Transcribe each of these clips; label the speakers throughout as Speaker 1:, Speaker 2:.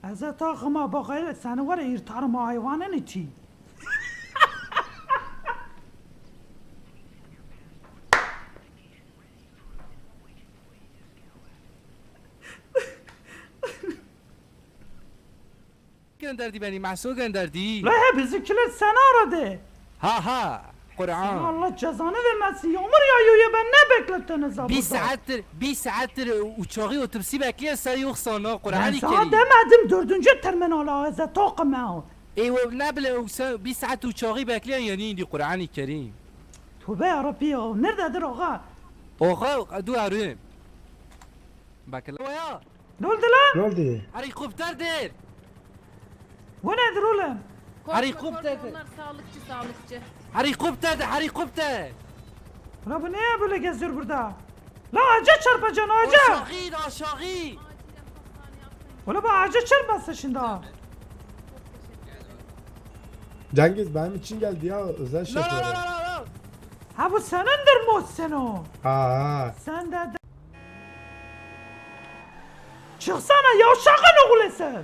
Speaker 1: Hazreti Akım'a bak hele seni var ya yırtarım o hayvanın içi.
Speaker 2: gönderdi beni, Mahsun gönderdi.
Speaker 1: La he bizimkiler seni aradı.
Speaker 2: Ha, Kur'an.
Speaker 1: Allah cezanı vermesin. Yağmur yağıyor ya ben ne beklettiniz ha
Speaker 2: Bir saattir uçağı otobüsü bekliyor sen yoksan ha
Speaker 1: Ben
Speaker 2: Kur'an-ı
Speaker 1: sana
Speaker 2: Kerim.
Speaker 1: demedim 4. terminala Hazreti Akım'a.
Speaker 2: Ne bileyim sen bir saat uçağı bekliyor yani indi Kur'an-ı Kerim.
Speaker 1: Tövbe yarabbi ya. Nerededir ağa?
Speaker 2: Oha dur arıyorum. Bakın. Ya
Speaker 1: Ne oldu lan?
Speaker 3: Ne oldu?
Speaker 2: helikopterdir.
Speaker 1: Bu nedir oğlum?
Speaker 2: Helikopter.
Speaker 4: Onlar sağlıkçı.
Speaker 2: Helikopter.
Speaker 1: Ulan bu niye böyle geziyor burada? La ağaca çarpacaksın ağaca.
Speaker 2: Aşağı.
Speaker 1: Ulan bu ağaca çarpmasın şimdi ha.
Speaker 3: Cengiz benim için geldi ya özel
Speaker 2: La.
Speaker 3: şoförü.
Speaker 1: Ha bu senindir Muhsin o.
Speaker 3: Ha.
Speaker 1: Sen de... Çıksana yavşakın oğlu sen.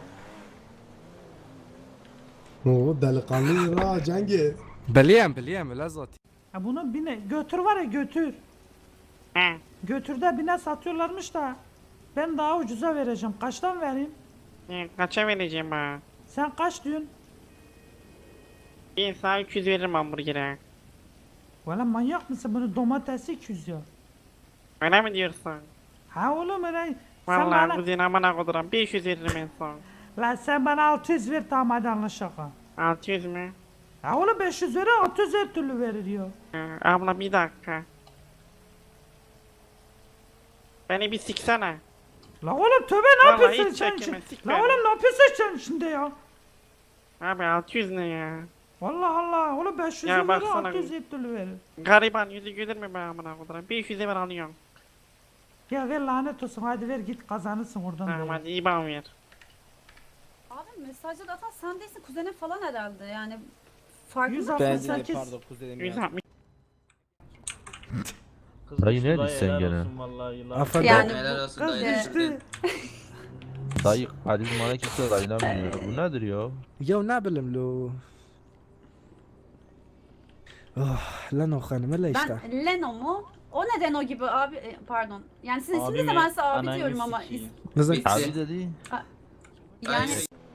Speaker 3: O delikanlı ha Cengiz.
Speaker 2: Biliyorum la zaten.
Speaker 1: Ha bunu bine götür var ya götür. Götür de bine satıyorlarmış da. Ben daha ucuza vereceğim. Kaçtan vereyim?
Speaker 5: Kaça vereceğim ha?
Speaker 1: Sen kaç diyorsun?
Speaker 5: Bir saat 300 veririm hamburgere.
Speaker 1: Valla manyak mısın? Bunu domatesi 200 ya.
Speaker 5: Öyle mi diyorsun?
Speaker 1: Ha oğlum öyle. Sen
Speaker 5: Vallahi
Speaker 1: bana...
Speaker 5: kuzine amına koduram 500 veririm en son.
Speaker 1: La sen bana 600 ver tamam hadi anlaşalım.
Speaker 5: 600 mü?
Speaker 1: Ha oğlum 500 ver 600 her türlü verir ya.
Speaker 5: Abla bir dakika. Beni bir siksene.
Speaker 1: La oğlum tövbe ne
Speaker 5: Vallahi
Speaker 1: yapıyorsun
Speaker 5: hiç
Speaker 1: sen
Speaker 5: çekeme,
Speaker 1: şimdi?
Speaker 5: sik
Speaker 1: La
Speaker 5: beni.
Speaker 1: oğlum ne yapıyorsun sen şimdi ya?
Speaker 5: Abi 600 ne ya?
Speaker 1: Allah Allah oğlum 500
Speaker 5: Ya
Speaker 1: verir
Speaker 5: baksana.
Speaker 1: 600 her türlü verir.
Speaker 5: Gariban yüzü gülür mü be amına koduram? 500'e ver alıyorum.
Speaker 1: Ya ver lanet olsun hadi ver git kazanırsın oradan.
Speaker 5: Tamam
Speaker 1: da.
Speaker 5: hadi iyi bana ver.
Speaker 4: Abi mesajda atan sen değilsin kuzenin falan herhalde yani. Farkında
Speaker 1: 168.
Speaker 6: Pardon kuzenim
Speaker 5: 160.
Speaker 7: Dayı neredesin sen gene?
Speaker 2: Affedersin.
Speaker 4: Yani
Speaker 6: Helal olsun
Speaker 1: Kız
Speaker 6: dayı.
Speaker 1: düştü.
Speaker 7: Dayı karizmana kimse dayanamıyor. Bu nedir ya?
Speaker 2: Ya ne bileyim lo. Oh lan o hanım öyle işte.
Speaker 4: ben Leno mu? O neden o gibi abi pardon. Yani sizin
Speaker 6: Abi
Speaker 4: isminiz de
Speaker 6: mi?
Speaker 4: ben size abi
Speaker 6: Ananı
Speaker 4: diyorum ama
Speaker 6: sikeyim.
Speaker 2: Kızım.
Speaker 6: Bitti.
Speaker 7: Abi dedi.
Speaker 4: yani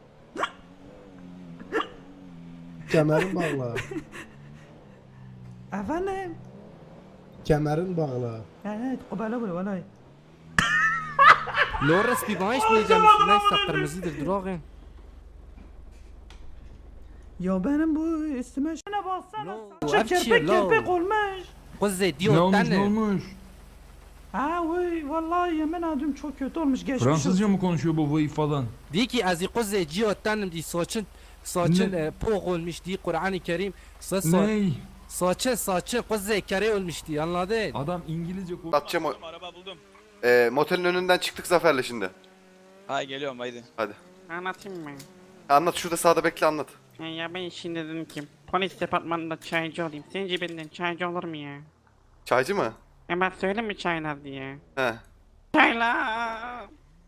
Speaker 3: Kemerin bağla.
Speaker 1: Efendim?
Speaker 3: Kemerin bağla.
Speaker 1: Evet o böyle böyle vallahi.
Speaker 2: Loris bir bağış mı yiyeceğim? Neyse kırmızıdır durağın.
Speaker 1: Ya benim bu üstüme şuna baksana.
Speaker 2: No,
Speaker 1: Saçı
Speaker 2: hapşi,
Speaker 1: kirpik
Speaker 2: lo.
Speaker 1: kirpik olmuş.
Speaker 2: Kuzey diyor tane.
Speaker 1: Ha vay vallahi yemin ediyorum çok kötü olmuş geçmiş
Speaker 8: Fransızca
Speaker 1: olsun.
Speaker 8: mı konuşuyor bu vay falan?
Speaker 2: Diyor ki az kuzey diyor tanem di saçın poğ olmuş diye Kur'an-ı Kerim.
Speaker 8: Ney?
Speaker 2: Saçın kuzey kare olmuş diye anladın?
Speaker 8: Adam İngilizce konuşuyor.
Speaker 9: Atacağım o.
Speaker 10: Araba buldum.
Speaker 9: Motelin önünden çıktık Zafer'le şimdi.
Speaker 10: Hay geliyorum haydi.
Speaker 9: Hadi.
Speaker 5: Anlatayım mı?
Speaker 9: Anlat şurada sağda bekle anlat.
Speaker 5: Ya ben şimdi dedim ki polis departmanında çaycı olayım. Sence benden çaycı olur mu ya?
Speaker 9: Çaycı mı?
Speaker 5: Ben söyleyeyim mi çaylar diye?
Speaker 9: He.
Speaker 5: Çaylar.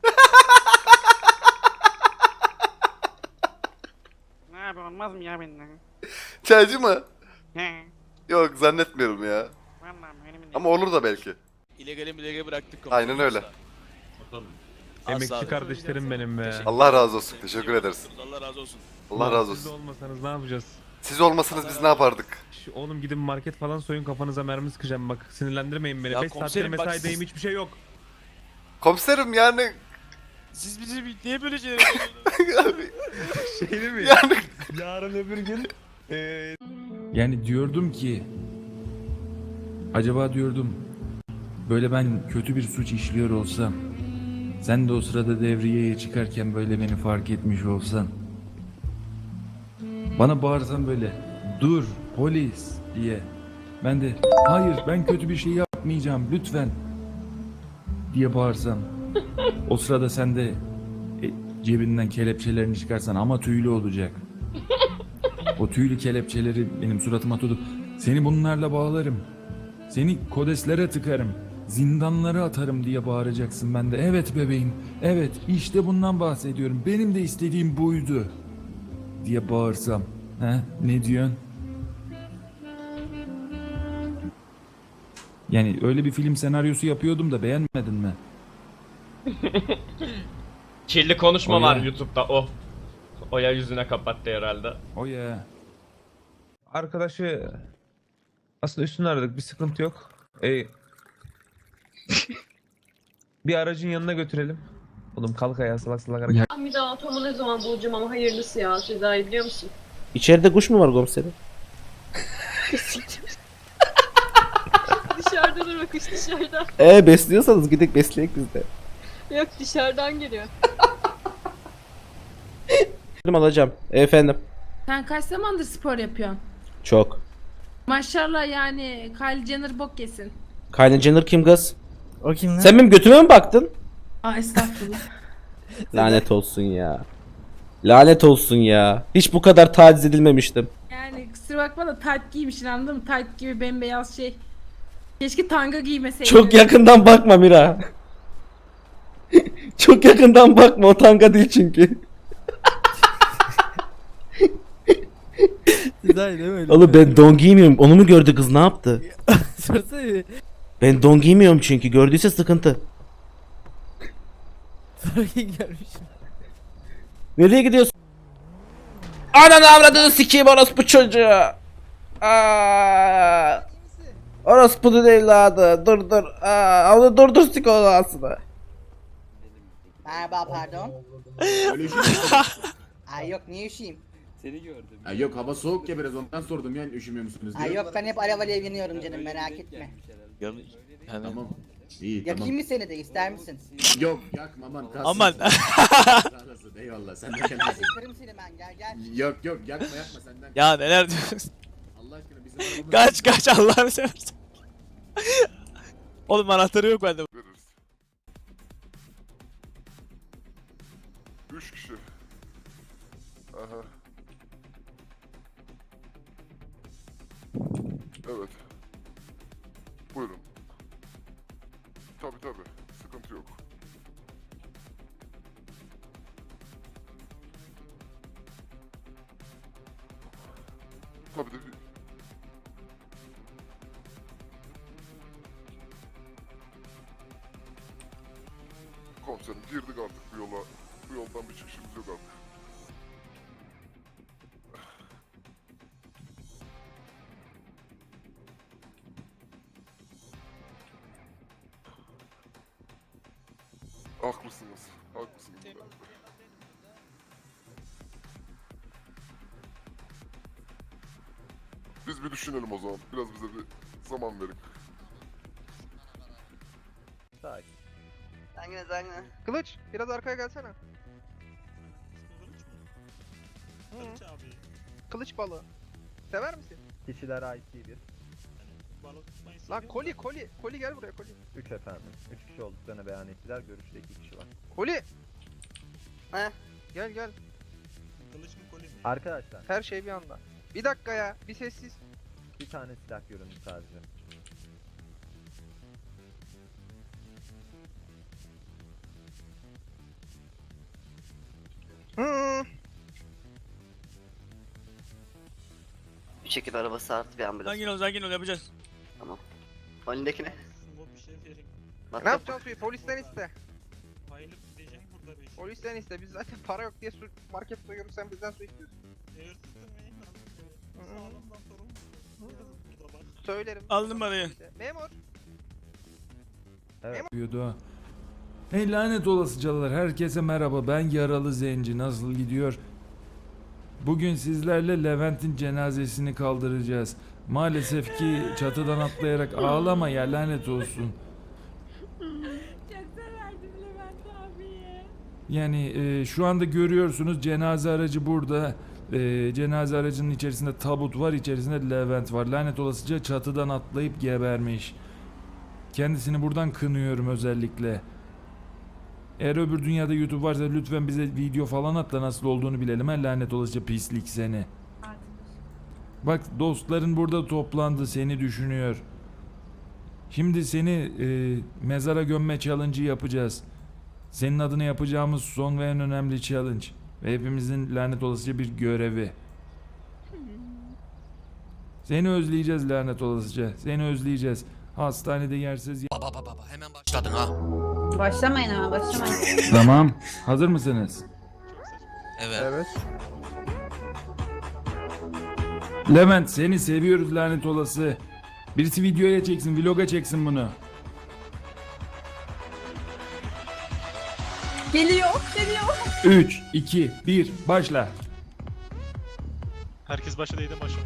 Speaker 5: Ne abi olmaz mı ya benden?
Speaker 9: Çaycı mı?
Speaker 5: He.
Speaker 9: Yok zannetmiyorum ya.
Speaker 5: Vallahi öyle mi?
Speaker 9: Ama olur da belki.
Speaker 10: İllegale bıraktık.
Speaker 9: Aynen öyle.
Speaker 8: Emekçi kardeşlerim benim be.
Speaker 9: Allah razı olsun. Teşekkür ederiz.
Speaker 10: Allah razı olsun.
Speaker 9: Allah razı
Speaker 8: Siz de
Speaker 9: olsun.
Speaker 8: olmasanız ne yapacağız?
Speaker 9: Siz olmasanız biz ne yapardık?
Speaker 8: Oğlum gidin market falan soyun kafanıza mermi sıkacağım bak. Sinirlendirmeyin beni.
Speaker 10: Ya
Speaker 8: 5 saattir
Speaker 10: komiserim bak
Speaker 8: mesaideyim
Speaker 10: siz-
Speaker 8: hiçbir şey yok.
Speaker 9: Komiserim yani...
Speaker 10: Siz bizi niye böyle şeyler yapıyorsunuz?
Speaker 8: Şey değil mi?
Speaker 9: Yani...
Speaker 8: Yarın öbür gün yani diyordum ki acaba diyordum böyle ben kötü bir suç işliyor olsam sen de o sırada devriyeye çıkarken böyle beni fark etmiş olsan bana bağırsan böyle dur polis diye ben de hayır ben kötü bir şey yapmayacağım lütfen diye bağırsam o sırada sen de cebinden kelepçelerini çıkarsan ama tüylü olacak. O tüylü kelepçeleri benim suratıma tutup seni bunlarla bağlarım. Seni kodeslere tıkarım. zindanlara atarım diye bağıracaksın ben de. Evet bebeğim, evet işte bundan bahsediyorum. Benim de istediğim buydu diye bağırsam. He, ne diyorsun? Yani öyle bir film senaryosu yapıyordum da beğenmedin mi?
Speaker 10: Kirli konuşma
Speaker 8: Oya.
Speaker 10: var YouTube'da o. Oya yüzüne kapattı herhalde.
Speaker 8: O ya.
Speaker 7: Arkadaşı aslında üstünü aradık, bir sıkıntı yok. Bir aracın yanına götürelim. Oğlum kalk ayağa, salak salak hareket.
Speaker 6: Ben bir daha atomu ne zaman bulacağım ama hayırlısı ya Sezai, biliyor musun?
Speaker 2: İçeride kuş mu var komiserim?
Speaker 6: Dışarıda dur bakış, dışarıda.
Speaker 2: Besliyorsanız gidip besleyek biz de.
Speaker 6: Yok, dışarıdan geliyor.
Speaker 2: Alacağım. Efendim.
Speaker 11: Sen kaç zamandır spor yapıyorsun?
Speaker 2: Çok.
Speaker 11: Maşallah yani Kylie Jenner bok yesin.
Speaker 2: Kylie Jenner kim kız?
Speaker 10: O kim lan?
Speaker 2: Sen benim götüme mi baktın?
Speaker 11: Aa estağfurullah.
Speaker 2: Lanet olsun ya. Lanet olsun ya. Hiç bu kadar taciz edilmemiştim.
Speaker 11: Yani kusura bakma da tight giymişsin, anladın mı? Tight gibi bembeyaz şey. Keşke tanga giymeseydin.
Speaker 2: Çok yakından bakma Mira. Çok yakından bakma, o tanga değil çünkü. Oğlum ben don giymiyorum. Onu mu gördü kız, ne yaptı? Ben don giymiyorum çünkü, gördüyse sıkıntı. Nereye gidiyorsun? Ananı avradını sikeyim orospu çocuğu. Aa, orospu evladı. Dur. Onu dur sik onu aslında.
Speaker 12: Merhaba, pardon. Ay yok, niye üşüyeyim?
Speaker 13: Ay yok, hava soğuk ya biraz, ondan sordum yani üşümüyor musunuz diye.
Speaker 12: Ay yok, ben hep alev alev yanıyorum canım, merak etme.
Speaker 13: Tamam. İyi
Speaker 12: Yakayım
Speaker 13: tamam.
Speaker 12: mı seni de, ister misin?
Speaker 13: Yok yakma aman kalsın.
Speaker 10: Aman.
Speaker 13: Sağ olasın, eyvallah sen de kendin.
Speaker 12: Yakarım seni ben, gel.
Speaker 13: Yok yakma senden.
Speaker 10: Ya neler diyorsun?
Speaker 13: Allah aşkına bizim arabamız.
Speaker 10: Kaç Allah'ını seversen. Oğlum anahtarı yok bende.
Speaker 9: Veririz. 3 kişi. Aha. Evet. Buyurun. Tabi. Sıkıntı yok. Tabi de komiserim girdik artık bu yola. Bu yoldan bir çıkışımız yok artık. Haklısınız. Biz bir düşünelim o zaman. Biraz bize bir zaman verin.
Speaker 12: Zangine.
Speaker 10: Kılıç biraz arkaya gelsene. Kılıç balığı. Sever misin?
Speaker 7: Kişiler ait bir.
Speaker 10: Lan koli gel buraya koli.
Speaker 7: 3 efendim. 3 kişi olduklarını beyan ettiler. Görüşte 2 kişi var.
Speaker 10: Koli.
Speaker 12: He?
Speaker 10: Gel.
Speaker 7: Arkadaşlar
Speaker 10: Her şey bir anda. Bir dakika ya, bir sessiz.
Speaker 7: bir tane silah göründü sadece.
Speaker 12: Bir şekilde arabası artı bir ambulans.
Speaker 10: Sakin ol yapacağız.
Speaker 12: Önündeki ne?
Speaker 10: Ne yapacağız polisten iste. Polisten iste, biz zaten para yok diye market soyuyoruz, sen bizden su istiyorsun. Söylerim. Aldım parayı. Memur.
Speaker 8: Diyordu. Hey lanet olasıcalar, herkese merhaba, ben Yaralı Zenci, nasıl gidiyor? Bugün sizlerle Levent'in cenazesini kaldıracağız. Maalesef ki çatıdan atlayarak ağlama ya, lanet olsun.
Speaker 11: Çok severdim Levent abiye.
Speaker 8: Yani şu anda görüyorsunuz cenaze aracı burada. Cenaze aracının içerisinde tabut var, içerisinde Levent var. Lanet olasıca çatıdan atlayıp gebermiş. Kendisini buradan kınıyorum özellikle. Eğer öbür dünyada YouTube varsa lütfen bize video falan at da nasıl olduğunu bilelim. Ha, lanet olasıca pislik seni. Bak dostların burada toplandı, seni düşünüyor. Şimdi seni mezara gömme challenge'ı yapacağız. Senin adına yapacağımız son ve en önemli challenge. Ve hepimizin lanet olasıca bir görevi. Seni özleyeceğiz lanet olasıca. Seni özleyeceğiz. Hastanede yersiz...
Speaker 10: Baba hemen başladın ha.
Speaker 4: Başlamayın hemen başlamayın.
Speaker 8: Tamam. Hazır mısınız?
Speaker 10: Evet.
Speaker 8: Levent seni seviyoruz lanet olası. Birisi videoya çeksin, vloga çeksin bunu.
Speaker 4: Geliyor.
Speaker 8: 3, 2, 1, başla.
Speaker 10: Herkes başladıydı başladı.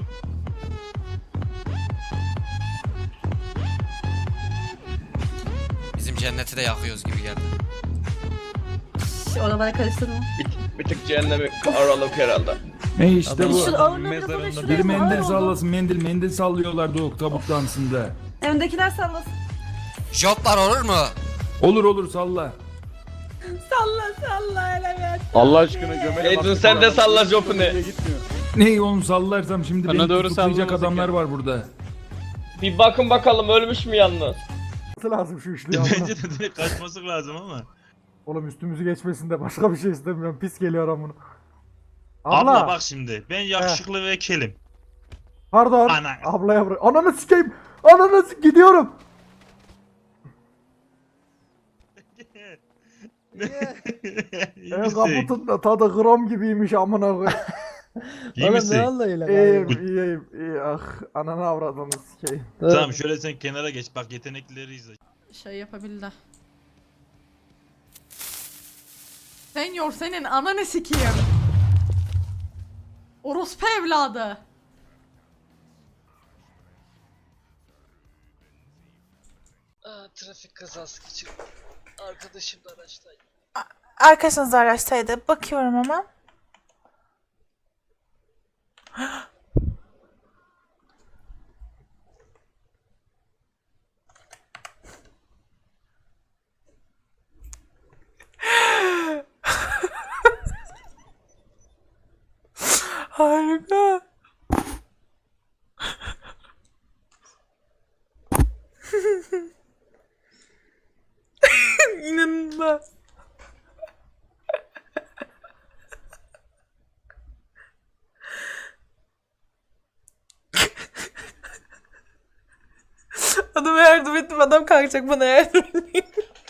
Speaker 5: Bizim cenneti de yakıyoruz gibi geldi.
Speaker 4: Oralara karıştırma.
Speaker 12: Bir tık cehennemi aralık herhalde.
Speaker 8: İşte bu.
Speaker 4: Şu ağırlığı biraz oraya şuraya.
Speaker 8: Bir mendil
Speaker 4: Ağır oldu.
Speaker 8: sallasın, mendil sallıyorlardı o tabut dansında.
Speaker 4: Öndekiler sallasın.
Speaker 5: Joplar olur mu?
Speaker 8: Olur salla.
Speaker 11: Salla evet.
Speaker 13: Allah aşkına gömele
Speaker 12: Edun sen de salla jopunu.
Speaker 8: Neyi oğlum sallarsam şimdi
Speaker 10: Bana
Speaker 8: beni
Speaker 10: doğru
Speaker 8: tutuklayacak
Speaker 10: sallamasın
Speaker 8: adamlar
Speaker 10: ya.
Speaker 8: var burada.
Speaker 12: Bir bakın bakalım ölmüş mü yalnız?
Speaker 3: lazım şu üçlü
Speaker 10: Bence de direkt kaçması lazım ama.
Speaker 3: Oğlum üstümüzü geçmesin de başka bir şey istemiyorum. Pis geliyor ama bunu.
Speaker 10: Abla bak şimdi ben yakışıklı ve kelim.
Speaker 3: Pardon.
Speaker 10: Ana.
Speaker 3: Ablaya bırak. Ananı sikeyim. Gidiyorum.
Speaker 10: İyi misin?
Speaker 3: da tadı gram gibiymiş amına koy.
Speaker 10: İyi misin?
Speaker 3: İyiyim. Ah ananı avradını sikeyim.
Speaker 10: Tamam şöyle sen kenara geç bak yeteneklileri izle.
Speaker 11: Şey yapabildi. Senyor senin ananı sikeyim. Orospu evladı.
Speaker 12: Trafik kazası geçirdim. Arkadaşım da araçtaydı.
Speaker 11: Arkadaşınız araçtaydı. Bakıyorum hemen. Harika. İnanılmaz. Adama yardım ettim. Adam kalkacak bana yardım edeyim.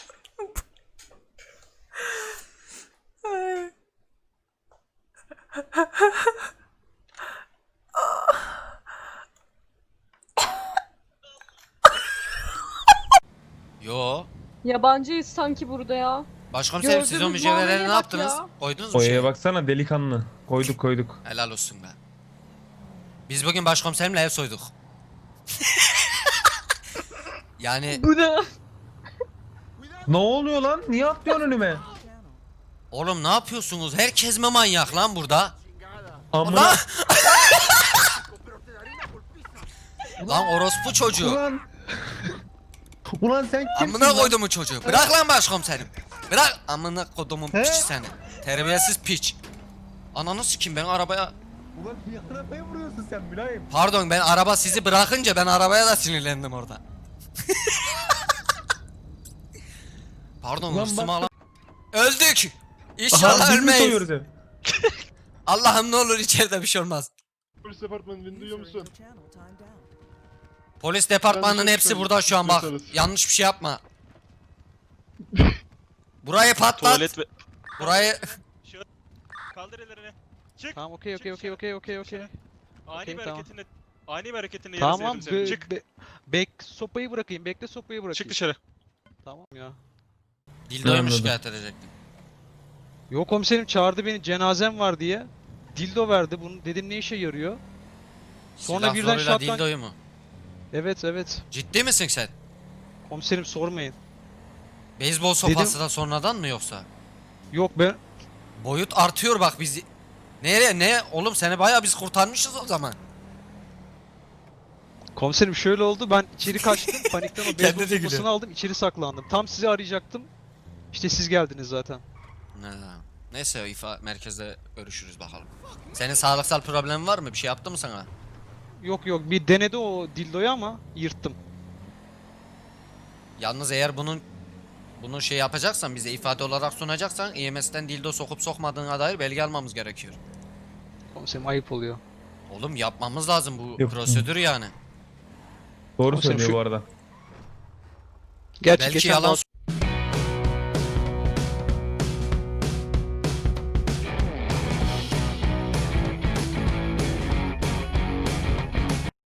Speaker 11: Ay.
Speaker 5: Yo.
Speaker 6: Yabancıyız sanki burada ya.
Speaker 5: Başkomiserim siz o
Speaker 6: Gördüğünüz
Speaker 5: mücevherleri
Speaker 6: muameleye
Speaker 5: ne
Speaker 6: bak
Speaker 5: yaptınız?
Speaker 6: ya.
Speaker 5: Koydunuz mu şey?
Speaker 8: baksana delikanlı. Koyduk.
Speaker 5: Helal olsun be. Biz bugün başkomiserimle ev soyduk. Yani
Speaker 6: Bu ne?
Speaker 8: Ne oluyor lan? Niye atlıyorsun önüme?
Speaker 5: oğlum ne yapıyorsunuz? Herkes mi manyak lan burada?
Speaker 8: Amına.
Speaker 5: Lan! Lan orospu çocuğu.
Speaker 8: Ulan sen
Speaker 5: Amına koydumun çocuğu. Bırak lan başkomiserim. Bırak amına kodumun piçi seni. Terbiyesiz piç. Ananı sikeyim ben arabaya...
Speaker 8: Ulan niye arabaya vuruyorsun sen mülayim?
Speaker 5: Pardon ben araba sizi bırakınca ben arabaya da sinirlendim orada. Pardon hırsımı alan... Öldük! İnşallah ölmeyiz. Allah'ım ne olur içeride bir şey olmaz.
Speaker 9: Polis departmanını duyuyor musun?
Speaker 5: Polis departmanının hepsi burada şu an bak. Yanlış bir şey yapma. Burayı patlat.
Speaker 10: Tuvalet ve...
Speaker 5: Burayı...
Speaker 10: Kaldır ellerini. Çık.
Speaker 12: Tamam okey.
Speaker 10: Ani
Speaker 12: Okey,
Speaker 10: bir
Speaker 12: tamam.
Speaker 10: hareketinle
Speaker 12: Tamam
Speaker 10: Çık.
Speaker 12: sopayı bırakayım. Bekle sopayı bırakayım.
Speaker 10: Çık dışarı.
Speaker 12: Tamam ya.
Speaker 5: Dildo'yu mu
Speaker 8: Anladım.
Speaker 5: şikayet edecektim?
Speaker 12: Yok komiserim çağırdı beni cenazem var diye. Dildo verdi bunu dedim ne işe yarıyor? Sonra
Speaker 5: Silah
Speaker 12: birden
Speaker 5: zoruyla
Speaker 12: şattan...
Speaker 5: dildoyu mu?
Speaker 12: Evet.
Speaker 5: Ciddi misin sen?
Speaker 12: Komiserim sormayın.
Speaker 5: Beyzbol sopası da sonradan mı yoksa?
Speaker 12: Yok ben...
Speaker 5: Boyut artıyor bak bizi. Nereye ne? Oğlum seni bayağı biz kurtarmışız o zaman.
Speaker 12: Komiserim şöyle oldu ben içeri kaçtım panikten o
Speaker 5: Kendi
Speaker 12: beyzbol
Speaker 5: de gülüyor.
Speaker 12: sopasını aldım içeri saklandım. Tam sizi arayacaktım. İşte siz geldiniz zaten.
Speaker 5: Neyse ifa merkezde görüşürüz bakalım. Senin sağlıksal problemin var mı? Bir şey yaptı mı sana?
Speaker 12: Yok bir denedi o dildoyu ama yırttım.
Speaker 5: Yalnız eğer bunu şey yapacaksan, bize ifade olarak sunacaksan EMS'ten dildo sokup sokmadığına dair belge almamız gerekiyor.
Speaker 12: Komiserim ayıp oluyor.
Speaker 5: Oğlum yapmamız lazım, bu
Speaker 8: Yok.
Speaker 5: prosedür yani.
Speaker 8: Doğru
Speaker 12: Komiserim
Speaker 8: söylüyor
Speaker 12: şu-
Speaker 8: bu arada.
Speaker 12: Gerçi
Speaker 5: Belki
Speaker 12: geçen
Speaker 5: yalan